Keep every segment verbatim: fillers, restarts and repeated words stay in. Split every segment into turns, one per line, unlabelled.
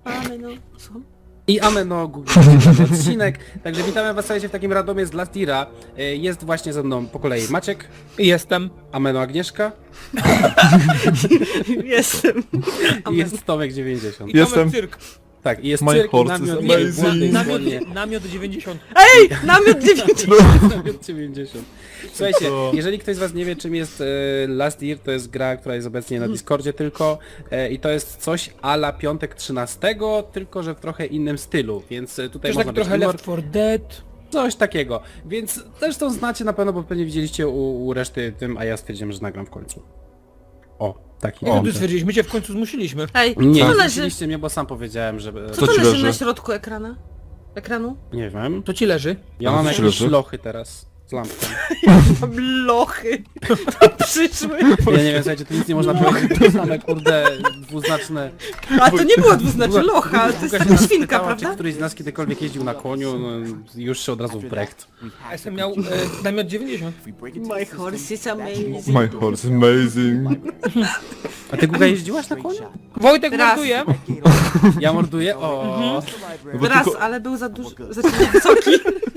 Mamy, no. Co?
I Ameno Google odcinek. Także witamy was słuchajcie w takim Radomie z Last Yeara. Y, Jest właśnie ze mną po kolei Maciek,
Jestem.
Ameno Agnieszka
Jestem.
i jest Tomek dziewięćdziesiąt.
I
Jestem.
Tomek Cyrk.
Tak, i jest
My
cyrk i
horse is
namiot
amazing.
Władek
Namiot,
dzwonię.
namiot dziewięćdziesiąt.
Ej! Namiot dziewięćdziesiąt.
Namiot dziewięćdziesiąt. Słuchajcie,
To-
jeżeli ktoś z was nie wie czym jest e, Last Year, to jest gra, która jest obecnie na Discordzie tylko e, i to jest coś a la piątek trzynastego, tylko że w trochę innym stylu, więc e, tutaj
Też
można
tak
być
trochę
humor,
Left four Dead.
coś takiego. Więc zresztą znacie na pewno, bo pewnie widzieliście u, u reszty tym, a ja stwierdziłem, że nagram w końcu. O, taki
Jak
O.
tu stwierdziliśmy, my cię w końcu zmusiliście.
Ej,
Nie,
co to
nie
leży?
zmusiliście mnie, bo sam powiedziałem, że...
Co
Co
to
ci
leży
leży?
na środku ekrana? Ekranu?
Nie wiem.
To ci leży.
Ja
A,
mam
co ci
jakieś
leży?
lochy teraz z lampką.
Blochy. Przyszły.
Ja nie wiem, słuchajcie, tu nic nie można powiedzieć, to same kurde dwuznaczne...
A to nie było dwuznaczne locha, to
Długa
jest
się nas
świnka,
pytała,
prawda?
czy któryś z nas kiedykolwiek jeździł na koniu, no, już się od razu w brecht.
A jestem miał e, namiot dziewięćdziesiąt.
My horse is amazing.
My horse is amazing.
A ty Guga jeździłaś na koniu?
Wojtek
Raz.
morduje.
Ja morduję, o.
Bo
Raz,
tylko...
ale był za duży, za wysoki.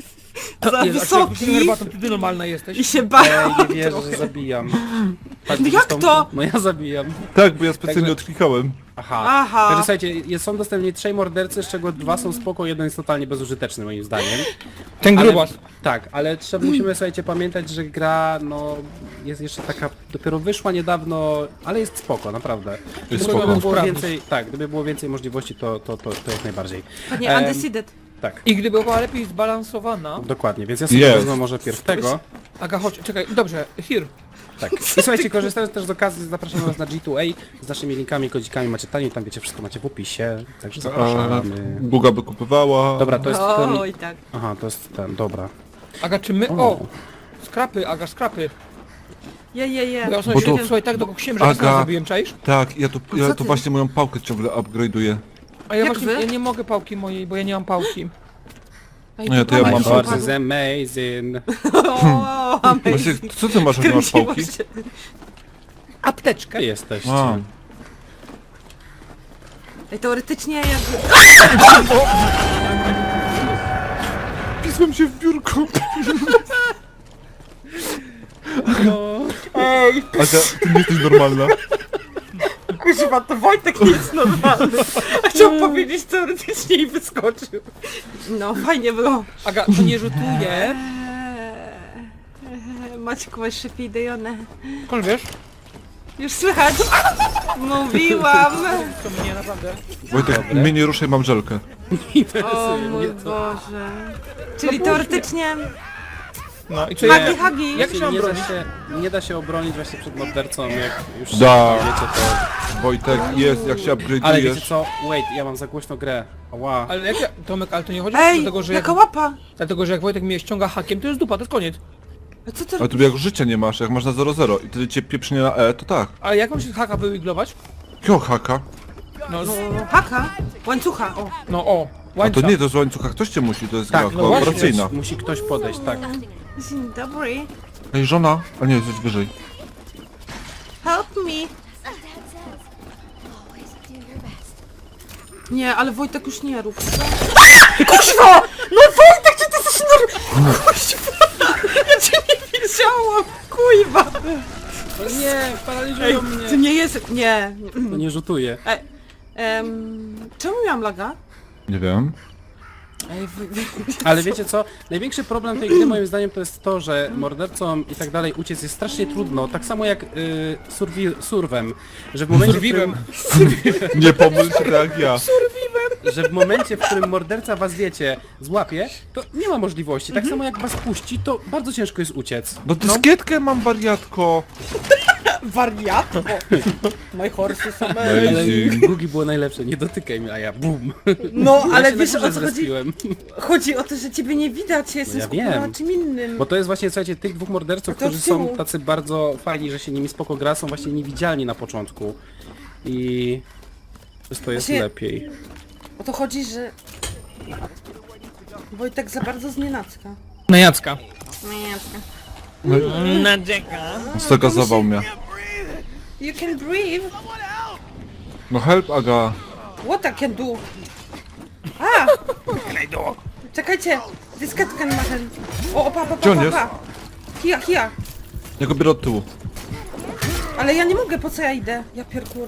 Za
Jezu, a
wysoki.
człowiek, herbatą, ty normalna jesteś.
I się
Ej,
bał.
nie wierzę, że zabijam. Patrz,
No
widzisz
jak
tą-
to?
No ja zabijam.
Tak, bo ja specjalnie
Także-
odklikałem.
Aha.
Aha.
Także słuchajcie, jest, są dostępni trzej mordercy, z czego dwa są spoko, jeden jest totalnie bezużyteczny moim zdaniem.
Ten
Ale-
grubas.
Tak, ale trzeba, musimy słuchajcie pamiętać, że gra no jest jeszcze taka, dopiero wyszła niedawno, ale jest spoko, naprawdę. Gdyby
spoko.
było
Sprawdzić.
więcej, tak, gdyby było więcej możliwości, to, to, to, to jak najbardziej.
Panie
Em,
Undecided.
Tak,
I gdyby była lepiej zbalansowana.
dokładnie, więc ja sobie
Jest.
wezmę może pierw tego.
Aga, chodź, czekaj, dobrze, here.
Tak. I słuchajcie, korzystając też z okazji, zapraszam was na G dwa A z naszymi linkami, kodzikami macie taniej, tam wiecie, wszystko macie w opisie, także
A
zapraszamy.
Guga by kupowała.
Dobra, to jest ten...
Oj, tak.
Aha, to jest ten, dobra.
Aga, czy my... O! Skrapy, Aga, skrapy.
Je, je, je.
Bo ja
Bo
sobie
to-
słuchaj, tak dogłosiłem, że
Aga.
Aga zabiłem, czaisz?
Tak, ja to,
Co
ja
ty?
to właśnie moją pałkę ciągle upgrade'uję.
A ja
Jak
właśnie
wy?
ja nie mogę pałki mojej, bo ja nie mam pałki.
Ej,
No ja to ja
My
mam
horse
pałkę.
is amazing.
O,
Właśnie,
amazing.
co ty masz, jak nie masz
Kręciło
pałki?
się.
Apteczkę.
Gdzie jesteście?
A,
Ej, teoretycznie jakby...
pisłem się w biurko.
No.
Ej,
Aga, ty nie jesteś normalna.
kurwa, to Wojtek nie jest normalny. A chciał powiedzieć teoretycznie i wyskoczył. No, fajnie było.
Aga, to nie rzutuje.
Eee, Maćku, masz szybciej dejone.
Skąd wiesz?
Już słychać? Mówiłam.
To mnie naprawdę.
Wojtek, mnie nie ruszaj, mam żelkę.
O
Interesuje
mój
mnie to.
Boże. Czyli teoretycznie...
No i co ja...
Hagi, hagi.
Jak się mam
nie, da
bronić?
się, nie da się obronić właśnie przed mordercą, jak już
Da.
wiecie to...
Wojtek, jest, jak się
Ale wiecie
upgrade'ujesz.
co? Wait, ja mam za głośno grę. Ała.
Ale jak ja... Tomek, ale to nie chodzi
Ej,
dlatego, że jak...
jaka łapa.
Dlatego, że jak Wojtek mnie ściąga hakiem, to jest dupa, to jest koniec.
A co ty
Ale tu jak życia nie masz, jak masz na zero zero i wtedy cię pieprznie na E, to tak.
Ale jak mam się haka wyiglować?
Kio haka?
No, z...
No, haka? Łańcucha, o.
no o,
A
łańcuch.
to nie, to z łańcucha ktoś cię musi, to jest
Tak,
gra
no właśnie,
kooperacyjna.
musi ktoś podejść, tak.
Dzień dobry.
Ej, żona? A nie, jesteś wyżej.
Help me. Nie, ale Wojtek już nie rób. Kuźwa! No Wojtek, czy ty jesteś na... Kuźwa! Ja cię nie widziałam! Kuźwa!
O nie, paraliżują mnie.
Ty nie jest... Nie.
To nie rzutuje.
E, em, czemu miałam laga?
Nie wiem.
Ej, wy...
Ale wiecie co? Największy problem tej gry moim zdaniem to jest to, że mordercom i tak dalej uciec jest strasznie trudno. Tak samo jak y, survi surwem. Że w momencie, w którym,
Survivem.
Nie pomyl się tak jak ja.
że w momencie, w którym morderca was wiecie, złapie, to nie ma możliwości. Tak samo jak was puści, to bardzo ciężko jest uciec.
No dyskietkę mam, wariatko.
Wariat? My horse is
Ale
Amazing.
Gugi było najlepsze, nie dotykaj mnie, a ja bum.
No, ale
ja się
wiesz
na
o
górze
co chodzi?
zrespiłem.
Chodzi o to, że ciebie nie widać, ja jestem
ja
skupiona
wiem.
na czym innym.
Bo to jest właśnie, słuchajcie, tych dwóch morderców,
A to
którzy
z tyłu.
są tacy bardzo fajni, że się nimi spoko gra, są właśnie niewidzialni na początku. I... przez to jest
Właśnie-
lepiej.
O to chodzi, że... Wojtek za bardzo znienacka.
Na Jacka.
Znienacka.
Na Jacka.
Zagazował mnie.
You can breathe.
No help, Aga.
What I can do? A! Czekajcie! Dysketkę machen. O, o, pa, pa,
Gdzie on
pa, pa,
jest?
pa. Hia, hia.
Ja go biorę od tyłu.
Ale ja nie mogę, po co ja idę? Ja pierkur.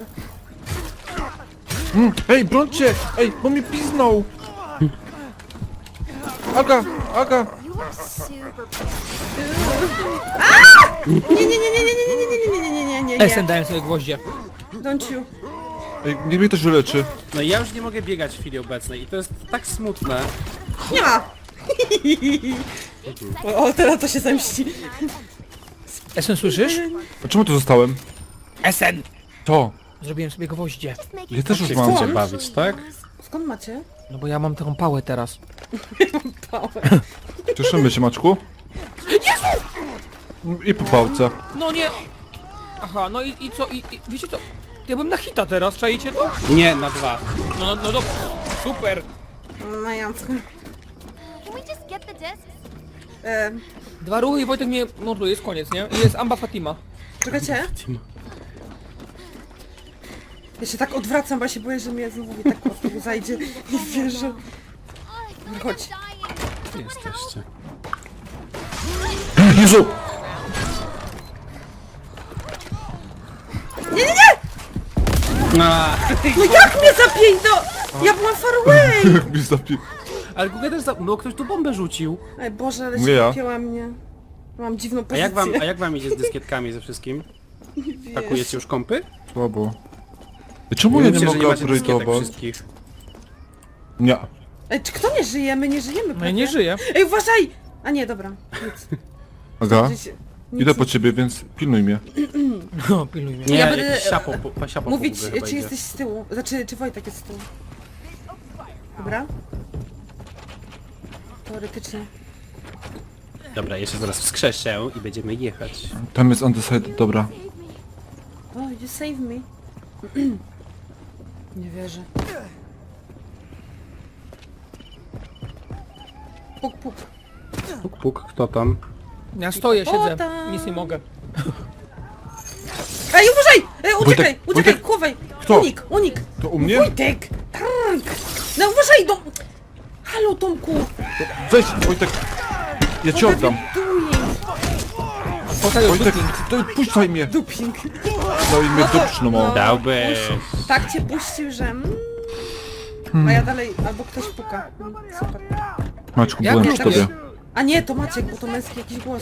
Mm, ej, brońcie! Ej, bo mnie piznął! Aga, Aga!
Nie, nie, nie, nie, nie, nie, nie, nie, nie, nie, nie, nie, nie, nie,
Esen dałem sobie gwoździe.
Don't you.
Ej, niech mnie też wyleczy.
No i ja już nie mogę biegać w chwili obecnej i to jest tak smutne.
Nie ma! O, o, teraz to się zemści.
Esen, słyszysz?
A czemu tu zostałem?
Esen!
To!
Zrobiłem sobie gwoździe.
Ja też już
Się
mam.
chcecie bawić, tak?
Skąd macie?
No bo ja mam taką pałę teraz.
Pałę.
Cieszymy się, Maczku. Jezu! I po pałce.
No nie! Aha, no i, i co? I, i wiecie co? Ja bym na hita teraz, czaicie to?
Nie, na dwa.
No, no, no dobra. Super!
Na Jancku.
Can we just get the discs?
E,
Dwa ruchy i Wojtek mnie morduje, jest koniec, nie? I jest Amba Fatima.
czekajcie. Ja się tak odwracam, bo ja się boję, że mnie znowu mi tak od tego zajdzie. Nie wierzę. Chodź.
Gdzie jesteście?
Jezu!
A,
No jak mnie zabiej do... Ja byłam far away!
Jak mi zapi...
ale Google też za... No ktoś tu bombę rzucił.
Ej Boże, ale
Nie
się
ja.
wpięła mnie. Mam dziwną
A
pozycję.
jak wam, a jak wam idzie z dyskietkami ze wszystkim? Pakujecie już kompy?
Słabo. Ej, czemu ja nie
Mówcie, że
mogę
macie dyskietek
upgrade'ować?
wszystkich.
Nie.
Ej, czy kto nie żyje? My nie żyjemy,
No ja
prawda?
nie żyję.
Ej, uważaj! A nie, dobra. Nic.
Aga,
Nic, nic.
idę po ciebie, więc pilnuj mnie.
No, pilnuj mnie.
Nie,
Ja
ja
będę,
jakiś siapo, po, siapo
Mówić,
po Google chyba
czy
idzie.
jesteś z tyłu. Znaczy, czy Wojtek jest z tyłu. Dobra? Teoretycznie.
Dobra, jeszcze zaraz wskrzeszę i będziemy jechać.
Tam jest on the side, dobra.
Oh, you save me. Nie wierzę. Puk, puk.
Puk, puk, kto tam?
Ja stoję, siedzę.
Potem.
Nic nie mogę.
Ej, uważaj! Ej, uciekaj!
Wojtek,
Uciekaj,
Wojtek.
chowaj!
Kto?
Unik, unik!
To u mnie?
Wojtek! Tak! No uważaj, do... Halo, Tomku!
Weź, Wojtek. Ja ci oddam.
Potają
Wojtek,
duping.
to puszczaj mnie.
Duping.
Dał mi dupczną małą.
Dałbyś.
Tak cię puścił, że... Mm. A ja dalej... Albo ktoś puka. Mm, Super.
Maczku,
Jak
byłem
nie
przy
tak
tobie.
A nie, to Maciek, bo to męski jakiś głos.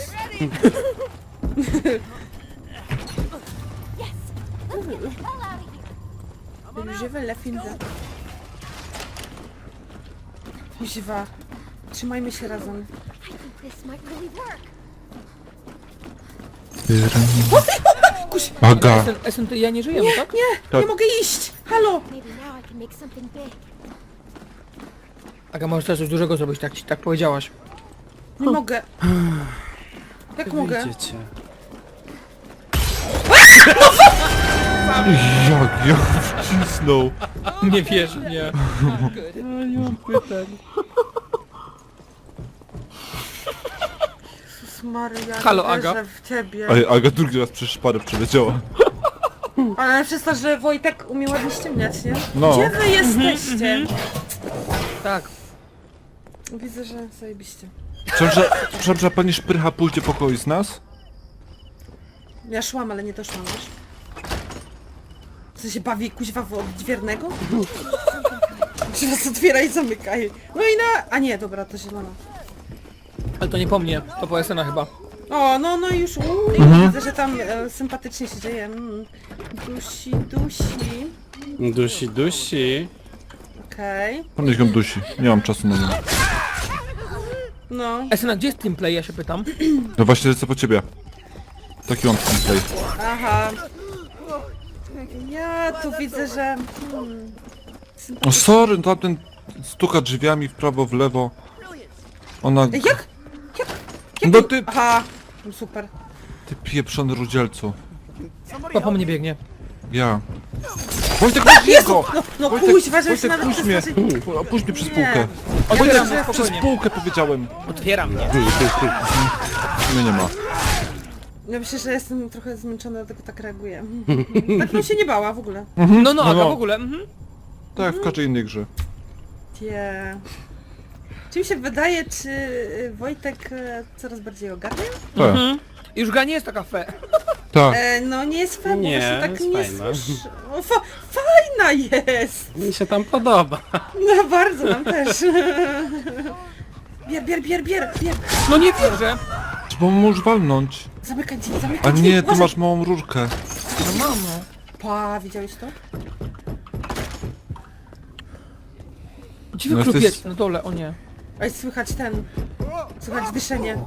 Józiewa Lefinda. Józiewa, trzymajmy się razem.
I think this might really work.
Kuś,
Aga.
Esen, Esen, ty i ja nie żyjemy, tak?
nie,
Tak.
nie mogę iść! Halo!
Maybe now I can make something big.
Aga, możesz teraz coś dużego zrobić, tak, tak powiedziałaś.
Nie mogę. Jak mogę?
Wyjdziecie.
Jak ja wcisnął.
Nie wierzę, nie.
Jezus Maria,
Halo,
nie
Aga.
wierzę w ciebie.
Ej, Aga drugi raz przez szparę przeleciała.
Ale przez to, że Wojtek umie ładnie ściemniać, nie?
No.
Gdzie wy jesteście?
Tak.
Widzę, że zajebiście.
Słyszałem, że, słyszałem, że pani szprycha pójdzie pokoju z nas?
Ja szłam, ale nie doszłam, wiesz? W sensie bawi kuźwa w odźwiernego? Kuźwa z otwiera i zamykaj. No i na... A nie, dobra, to zielona.
Ale to nie po mnie, to po Esena chyba.
O, no, no i już uuu, widzę, że tam e, sympatycznie się dzieje. Mm. Dusi, dusi.
Dusi, dusi.
Okej.
On niech ją dusi. Nie mam czasu na nią.
No.
Esena, gdzie jest teamplay, ja się pytam?
No właśnie lecę po ciebie. Taki mam tutaj.
Aha. Ja tu widzę, że... Hmm,
O sorry, tamten stuka drzwiami w prawo, w lewo. Ona...
Ej, jak? Jak? Jak?
No ty...
Aha. No super.
Ty pieprzony rudzielcu.
Chyba po mnie biegnie.
Ja. Wojtek, puść
Jezu!
go!
No, no
Wojtek,
kuźwa, że się
Wojtek,
nawet
puść mnie!
przestraszyli.
Pu- Puść mnie przez
Nie.
półkę.
Otwieram
Wojtek,
mnie,
przez
spokojnie.
półkę powiedziałem.
Otwieram mnie.
Mnie nie ma.
Ja myślę, że jestem trochę zmęczona, dlatego tak reaguję. Tak bym się nie bała w ogóle.
No, no, Aga,
no.
w ogóle. Mhm.
Tak jak w każdej innej grze.
Nie. Czy mi się wydaje, czy y, Wojtek e, coraz bardziej ogarnia?
Tak,
Mhm. Już gra nie jest taka fe.
tak.
E, no nie jest fajna,
Nie,
bo się tak
jest
nie
fajna.
słyszy. O, fa fajna jest!
Mi się tam podoba.
No bardzo nam też. Bier, bier, bier, bier, bier.
No nie wierzę.
Bo możesz walnąć.
Zamykaj drzwi, zamykaj
A
drzwi.
nie, ty
Uważaj.
masz małą rurkę.
No mamo.
Pa, widziałeś to?
Dziwy
No
klubiec
jesteś-
na dole, o nie.
Ej, słychać ten... Słychać dyszenie.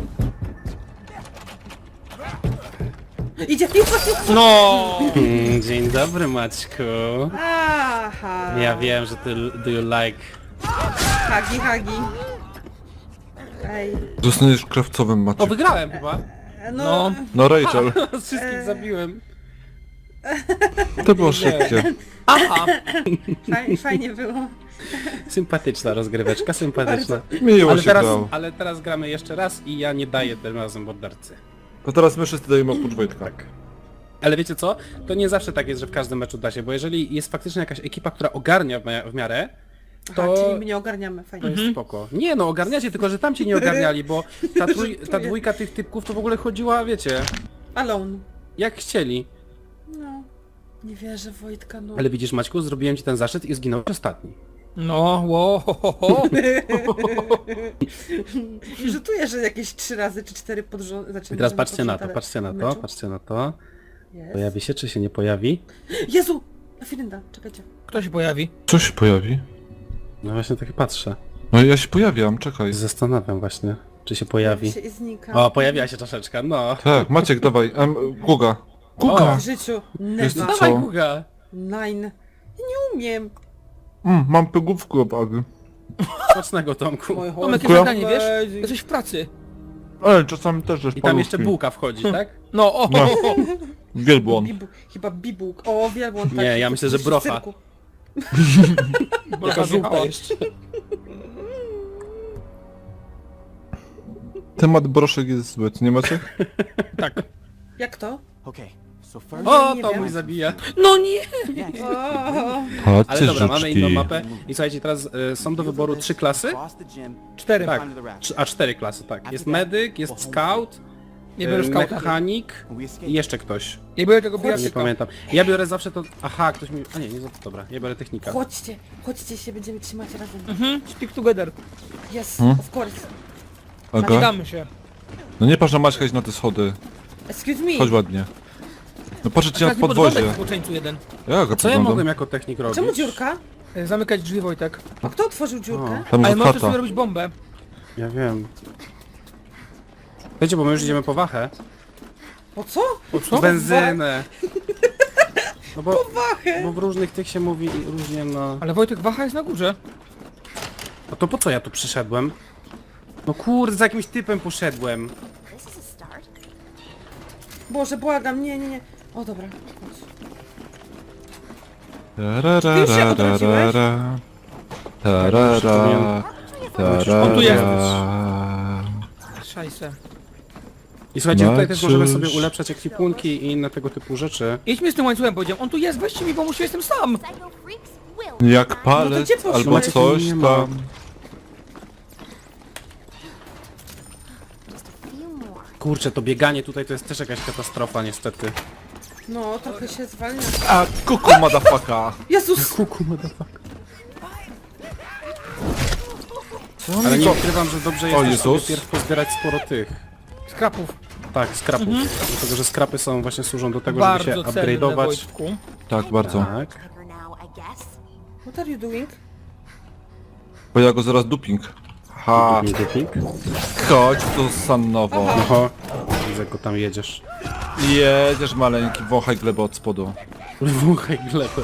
Idzie, idzie, idzie.
No.
Mm, Dzień dobry, Maćku.
Aha.
Ja wiem, że ty do you like.
Hagi, hagi. Ej,
Zostaniesz krawcowym,
O,
Maciek.
wygrałem chyba.
no...
No.
No Rachel,
Z wszystkich zabiłem.
to było szybkie.
Aha.
Faj, fajnie było.
Sympatyczna rozgryweczka, sympatyczna.
Miło
Ale
się
teraz,
grało.
ale teraz gramy jeszcze raz i ja nie daję tym razem mordercy.
To teraz my wszyscy dajemy oprócz Wojtka.
Tak. Ale wiecie co? To nie zawsze tak jest, że w każdym meczu da się, bo jeżeli jest faktycznie jakaś ekipa, która ogarnia w, mia- w miarę,
Aha,
to
czyli my nie ogarniamy, fajnie.
to jest spoko. Nie no, ogarniacie, tylko że tam ci nie ogarniali, bo ta, trój, ta dwójka tych typków to w ogóle chodziła, wiecie,
Alone.
jak chcieli.
No. Nie wierzę, Wojtka, no.
Ale widzisz, Maćku, zrobiłem ci ten zaszczyt i zginąłeś ostatni.
No, wow, ho, ho, ho.
Rzutuję, że jakieś trzy razy czy cztery pod rząd... Znaczy,
I teraz
nie
patrzcie na to,
pod
patrzcie na
rząd,
to,
ale w
patrzcie na to.
meczu.
Pojawi się, czy się nie pojawi?
Jest. Jezu! Filinda, czekajcie.
Kto się pojawi?
Co się pojawi?
No właśnie tak patrzę.
No ja się pojawiam, czekaj.
Zastanawiam właśnie, czy się pojawi.
Się i znika.
O, pojawiła się troszeczkę, no.
Tak, Maciek, dawaj. Um, Guga. Guga!
W życiu.
Jest
Never.
co?
Dawaj, Guga.
Nine. Ja nie umiem.
Mm, mam pygłówkę obagi.
Smacznego, Tomku.
Moje
Tomek,
Dziękuję.
jest zadanie, wiesz? Jesteś w pracy.
Ale czasami też jest
I tam jeszcze bułka wchodzi, tak?
No, o,
No.
o, o.
Wielbłąd.
Bibu, chyba bibułk. O, wielbłąd.
Nie,
taki,
ja myślę, że
w
brocha.
cyrku.
Jaka żółta jeszcze.
Temat broszek jest zły, co nie macie?
Tak.
Jak to?
Okay, so first,
O,
Nie
to
wiem.
mój zabija.
No nie.
next,
O,
Ale
Chodźcie,
dobra, mamy inną
żuczki.
mapę. I słuchajcie, teraz e, są do wyboru trzy klasy.
cross the gym,
Cztery.
Tak,
climb to the raft.
Trz- a cztery klasy, tak. Jest medyk, jest scout,
Nie
e,
biorę skauta.
mechanik
We escape.
i jeszcze ktoś.
Nie biorę tego
Nie
bijatyka.
pamiętam. Ja biorę zawsze to... Aha, ktoś mi... A nie, nie, dobra. Ja biorę technika.
chodźcie, chodźcie się, będziemy trzymać razem.
Mhm, stick together.
Yes,
Hmm?
of course.
Aga?
Damy się.
No nie patrz na Maćka, idź na te schody.
Excuse me.
Chodź ładnie. No patrzę ci na
Taki
podwozie.
podwodek w złoczeńcu jeden.
Ja go
Co ja
przyglądam.
mogłem jako technik robić?
Czemu dziurka?
E, Zamykać drzwi, Wojtek.
A kto otworzył dziurkę?
Tam
Ale
jest
możesz sobie
chata.
robić bombę.
Ja wiem. Wiecie, bo my już idziemy po wachę.
Po co?
Po co?
Benzynę. No bo,
Wachę.
bo w różnych tych się mówi różnie, no...
Ale Wojtek, waha jest na górze.
No to po co ja tu przyszedłem? No kurde, za jakimś typem poszedłem.
This is a start.
Boże, błagam, nie, nie, nie. O, dobra. Chodź.
Tarara,
Ty już się odrodziłeś?
tarara, tarara, tarara.
On tu jest.
tarara.
Szajse.
I słuchajcie, tutaj też możemy
Maciuś.
sobie ulepszać ekwipunki i inne tego typu rzeczy.
Idźmy z tym łańcuchem, powiedziałem. On tu jest, weźcie mi, pomóżcie, jestem sam.
Psycho freaks will.
Jak
No to
palec
gdzie poszłeś?
albo coś
Nie ma.
tam.
Just a few more.
Kurczę, to bieganie tutaj to jest też jakaś katastrofa niestety.
No, trochę się zwalnia.
A kuku motherfucka.
Jezus!
Kuku, motherfucker.
Co on
Ale
mi
nie
to...
ukrywam, że dobrze
O
jest też
Jezus.
sobie pierw pozbierać sporo tych.
Skrapów.
Tak, skrapów. Dlatego, że skrapy są właśnie służą do tego,
Bardzo
żeby się
cenne,
upgrade'ować.
Wojtku.
Tak, bardzo.
Tak.
Tiger now, I guess.
What are you doing?
Bo ja go zaraz duping. Ha,
Duping, duping.
chodź tu Sannowo.
Oho, widzę, jak go tam jedziesz.
Jedziesz maleńki, wąchaj glebę od spodu.
Wąchaj glebę.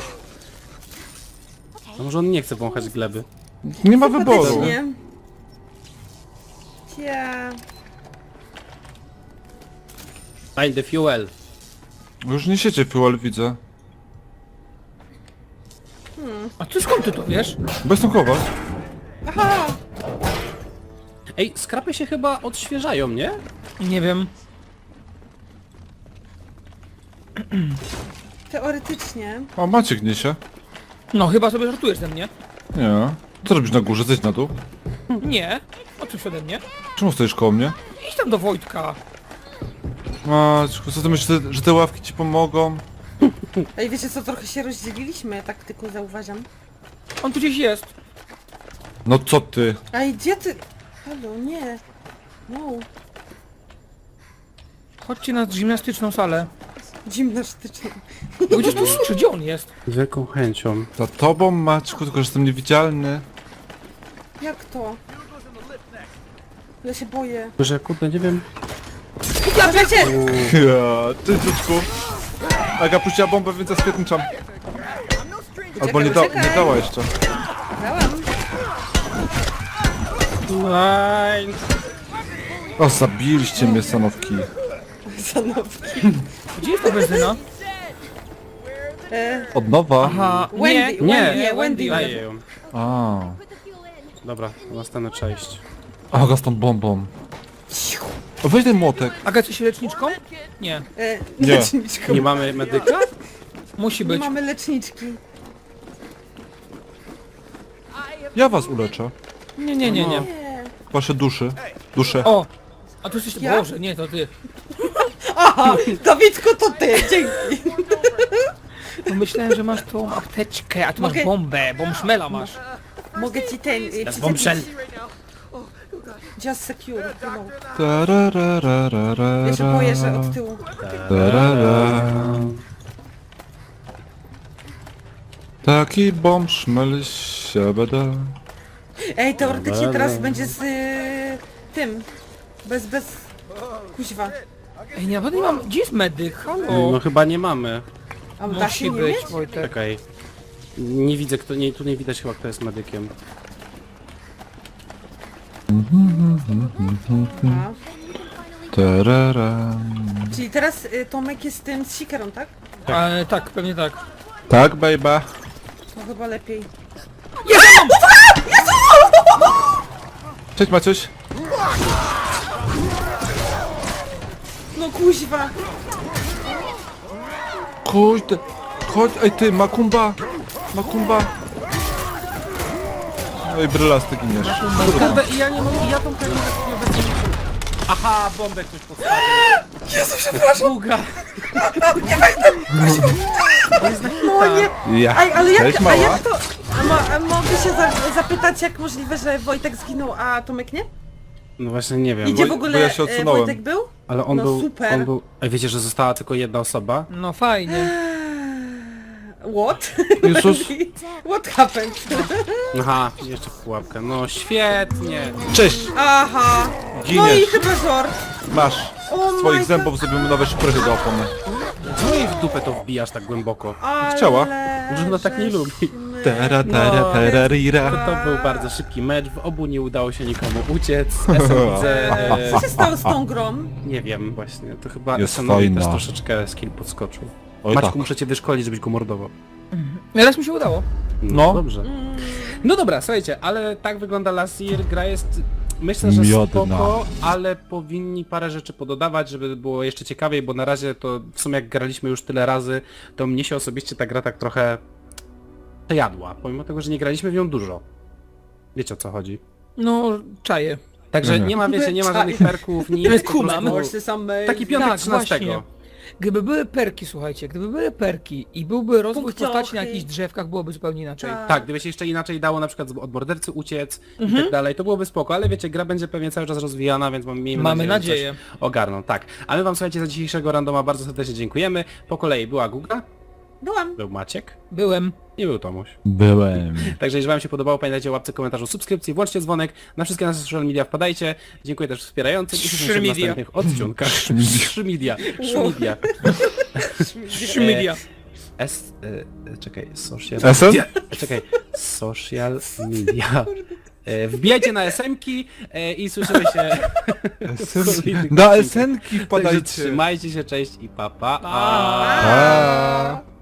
A może on nie chce wąchać gleby?
Nie ma wyboru.
Sympatycznie. Ja.
Find the fuel.
Już nie siecie fuel, widzę.
A ty skąd ty to wiesz?
Bo jestem koło was.
Aha!
Ej, skrapy się chyba odświeżają, nie?
Nie wiem.
Teoretycznie.
O, Maciek niesie.
No chyba sobie żartujesz ze mnie.
Nie. Co robisz na górze? Zejdź na dół.
Nie. Odsuń ode mnie.
Czemu stoisz koło mnie?
Idź tam do Wojtka.
Maćku, co ty myślisz, że- że te ławki ci pomogą?
Ej, wiecie co, trochę się rozdzieliliśmy, tak tylko zauważam.
On tu gdzieś jest.
No co ty?
Ej, gdzie ty? Halo, nie. No.
Chodźcie na gimnastyczną salę.
Gimnastyczny.
Bo gdzieś tu słyszę, gdzie on jest.
Z wielką chęcią.
Za tobą, Maćku, tylko że jestem niewidzialny.
Jak to? Ja się boję.
Że kurde, nie wiem.
Uważajcie!
Ja, ty, czuczku. Aga puściła bombę, więc zaskierniczam. Albo nie, da,
uciekaj.
nie dała jeszcze.
Dałam.
Nein.
O, zabiliście mnie, sanowki.
Zanowki.
Gdzie jest ta benzyna?
E,
Od nowa?
Aha,
Wendy,
nie.
Wendy,
Nie.
nie, Wendy.
Daję ją.
A.
Dobra, następna część.
Aga z tą bombą. O, weź ten młotek.
Aga, jesteś leczniczką? Nie.
E,
Nie.
leczniczką.
Nie mamy medyka?
Musi
Nie
być.
mamy leczniczki.
Ja was uleczę.
Nie, nie, nie, nie.
Nie.
Wasze duszy. Dusze.
O! A tu jesteś...
Ja?
Boże, nie, to ty.
Aha, Dawidku, to ty, dzięki.
No myślałem, że masz tą apteczkę, a tu masz
Mogę-
bombę, bombszmela masz.
Mogę ci ten... e,
Z bombshell.
Just secure, you know.
Tararararara.
Ja się boję, że od tyłu.
Tarara. Taki bomb szmel się beda.
Ej, teoretycznie
Dobra.
teraz będzie z y, tym. Bez, bez... Kuźwa.
Ej, nie, naprawdę nie mam... Gdzie jest medyk? Halo?
No chyba nie mamy.
A da się
Musi
nie
być,
mieć?
Wojtek.
Czekaj. Nie widzę, kto, nie, tu nie widać chyba, kto jest medykiem.
A,
Tarara.
czyli teraz y, Tomek jest tym z sikerą, tak?
E, tak, pewnie tak.
Tak, baby.
To chyba lepiej.
Cześć, Maciuś.
No kuźwa.
Kurde. Chodź, ej ty, Makumba. Makumba. No i brylasty giniesz.
Kurde, i ja nie mam, i ja tą pewnie obecnie nie czuję. Aha, bombę ktoś postawił.
Jezu, przepraszam.
Długa.
No nie.
Ja.
Ej, ale
Cześć,
jak, a
mała.
jak to... A, mo, a mogę się za, zapytać, jak możliwe, że Wojtek zginął, a Tomek nie?
No właśnie nie wiem.
I gdzie w
bo
ogóle
ja się
e,
odsunąłem.
Wojtek był?
Ale on
No
był,
super.
on był... Ej, wiecie, że została tylko jedna osoba?
No fajnie.
What?
Jezus.
What happened?
Aha, jeszcze pułapkę. No świetnie.
Cześć.
Aha. No i
Giniesz.
chyba żort.
Masz.
Oh
Z twoich
my
zębów zrobimy nowe szprychy do opony.
Co jej w dupę to wbijasz tak głęboko?
Ale
Chciała.
Może ona tak nie lubi.
Tara, tara,
No.
tararira.
To był bardzo szybki mecz, w obu nie udało się nikomu uciec. S M widzę,
Eee, Co
e,
się stało z tą grą?
nie wiem właśnie, to chyba
Jest
S M owi też
fajna.
troszeczkę skill podskoczył.
Oj
Maćku,
tak.
muszę cię wyszkolić, żebyś go mordował.
Raz mi się udało.
No.
Dobrze. No dobra, słuchajcie, ale tak wygląda Last Year, gra jest... Myślę, że
Miodna.
spoko, ale powinni parę rzeczy pododawać, żeby było jeszcze ciekawiej, bo na razie to w sumie jak graliśmy już tyle razy, to mnie się osobiście ta gra tak trochę przejadła, pomimo tego, że nie graliśmy w nią dużo. Wiecie o co chodzi.
No, czaję.
Także
Mhm.
nie ma, wiecie, nie ma
Czaj.
żadnych perków, nic. po
Kumam.
prostu
Horses amazing.
Taki piątek
Tak,
trzynastego.
właśnie. Gdyby były perki, słuchajcie, gdyby były perki i byłby rozwój
Punkciochy.
postaci na jakichś drzewkach, byłoby zupełnie inaczej.
Tak.
Tak, gdyby się jeszcze inaczej dało na przykład od mordercy uciec i
Mhm.
tak dalej, to byłoby spoko, ale wiecie, gra będzie pewnie cały czas rozwijana, więc mam- miejmy
Mamy
nadzieję,
nadzieję.
że coś ogarną. Tak, a my wam słuchajcie za dzisiejszego randoma bardzo serdecznie dziękujemy. Po kolei była Guga,
Byłam.
był Maciek
Byłem.
i był Tomuś.
Byłem.
Także jeżeli wam się podobało, pamiętajcie o łapce, komentarzu, subskrypcji, włączcie dzwonek, na wszystkie nasze social media wpadajcie. Dziękuję też wspierającym i słyszymy się w
Szmedia.
następnych odcinkach. Szmedia. Szmedia.
Media.
S... Y, czekaj, social...
S N?
Czekaj, social media. E, Wbijajcie na es em ki e, i słyszymy się w kolejnych
Na
odcinkach.
esenki
Także
wpadajcie.
trzymajcie się, cześć i pa pa.
Pa.
A.
Pa.